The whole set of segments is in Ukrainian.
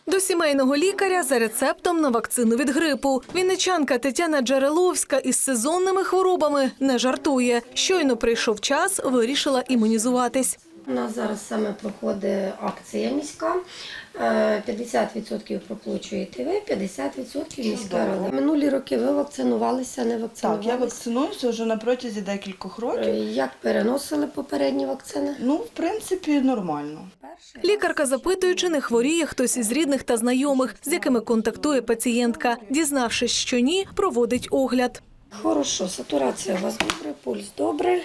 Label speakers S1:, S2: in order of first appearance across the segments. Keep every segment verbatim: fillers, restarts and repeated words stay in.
S1: До сімейного лікаря за рецептом на вакцину від грипу. Вінничанка Тетяна Джереловська із сезонними хворобами не жартує. Щойно прийшов час, вирішила імунізуватись.
S2: У нас зараз саме проходить акція міська. п'ятдесят відсотків проплачуєте ви, п'ятдесят відсотків міська рада. Минулі роки ви вакцинувалися, не вакцинувалися?
S3: Так, я вакцинуюся вже на протязі декількох років.
S2: Як переносили попередні вакцини?
S3: Ну, в принципі, нормально.
S1: Лікарка запитує, чи не хворіє хтось із рідних та знайомих, з якими контактує пацієнтка. Дізнавшись, що ні, проводить огляд.
S2: Хорошо, сатурація у вас добре, пульс добре.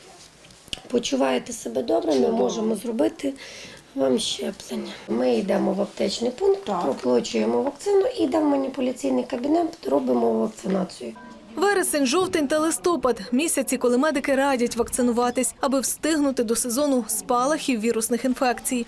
S2: Почуваєте себе добре, ми можемо зробити вам щеплення. Ми йдемо в аптечний пункт, проплачуємо вакцину і йдемо в маніпуляційний кабінет, робимо вакцинацію.
S1: Вересень, жовтень та листопад – місяці, коли медики радять вакцинуватись, аби встигнути до сезону спалахів вірусних інфекцій.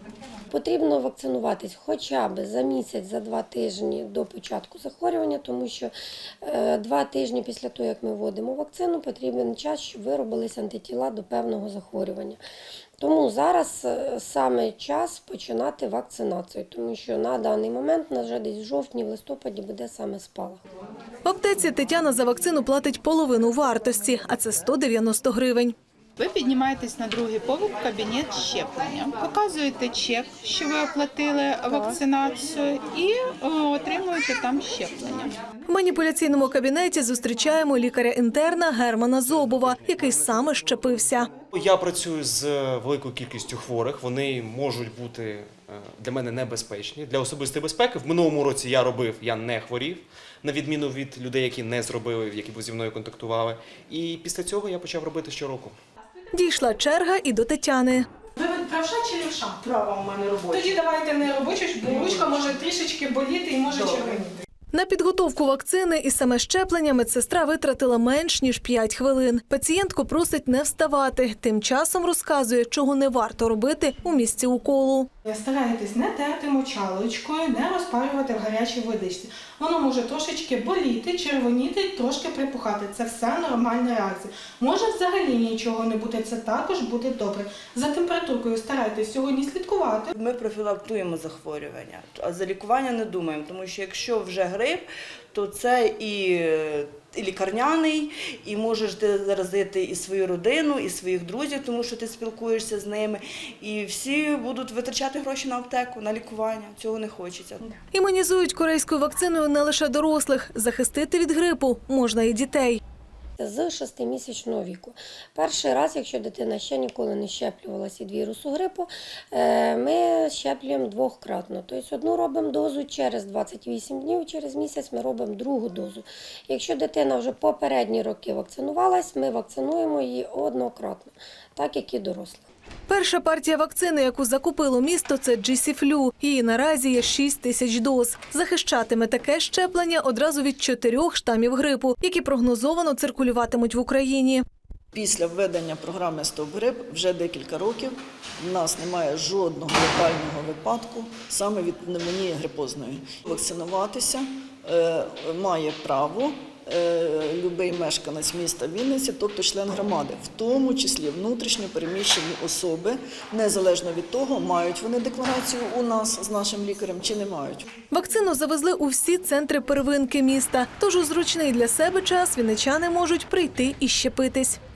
S2: Потрібно вакцинуватись хоча б за місяць, за два тижні до початку захворювання, тому що е, два тижні після того, як ми вводимо вакцину, потрібен час, щоб виробилися антитіла до певного захворювання. Тому зараз саме час починати вакцинацію, тому що на даний момент, на жаль, десь в жовтні, в листопаді буде саме спалах.
S1: В аптеці Тетяна за вакцину платить половину вартості, а це сто дев'яносто гривень.
S4: Ви піднімаєтесь на другий поверх в кабінет щеплення, показуєте чек, що ви оплатили вакцинацію, і отримуєте там щеплення.
S1: В маніпуляційному кабінеті зустрічаємо лікаря-інтерна Германа Зобова, який саме щепився.
S5: Я працюю з великою кількістю хворих, вони можуть бути для мене небезпечні. Для особистої безпеки в минулому році я робив, я не хворів, на відміну від людей, які не зробили, які зі мною контактували. І після цього я почав робити щороку.
S1: Дійшла черга і до Тетяни.
S6: Ви правша чи лівша?
S3: Права у мене робоча.
S6: Тоді давайте не робочу, бо ручка може трішечки боліти і може червоніти.
S1: На підготовку вакцини і саме щеплення медсестра витратила менш ніж п'ять хвилин. Пацієнтку просить не вставати. Тим часом розказує, чого не варто робити у місці уколу.
S6: Старайтесь не терти мочалочкою, не розпарювати в гарячій водичці. Воно може трошечки боліти, червоніти, трошки припухати. Це все нормальна реакція. Може взагалі нічого не бути, це також буде добре. За температуркою старайтесь сьогодні слідкувати.
S3: Ми профілактуємо захворювання, а за лікування не думаємо, тому що якщо вже грип, то це і, і лікарняний, і можеш ти заразити і свою родину, і своїх друзів, тому що ти спілкуєшся з ними. І всі будуть витрачати гроші на аптеку, на лікування. Цього не хочеться.
S1: Імунізують корейською вакциною не лише дорослих. Захистити від грипу можна і дітей.
S2: З шестимісячного віку. Перший раз, якщо дитина ще ніколи не щеплювалася від вірусу грипу, ми щеплюємо двократно. Тобто одну робимо дозу через двадцять вісім днів, через місяць ми робимо другу дозу. Якщо дитина вже попередні роки вакцинувалась, ми вакцинуємо її однократно, так як і дорослих.
S1: Перша партія вакцини, яку закупило місто, це Джі-Сі-Флю. Її наразі є шість тисяч доз. Захищатиме таке щеплення одразу від чотирьох штамів грипу, які прогнозовано циркулюватимуть в Україні.
S7: Після введення програми «Стоп-грип» вже декілька років в нас немає жодного летального випадку саме від пневмонії грипозної. Вакцинуватися е, має право любий мешканець міста Вінниці, тобто член громади, в тому числі внутрішньо переміщені особи, незалежно від того, мають вони декларацію у нас з нашим лікарем чи не мають.
S1: Вакцину завезли у всі центри первинки міста, тож у зручний для себе час вінничани можуть прийти і щепитись.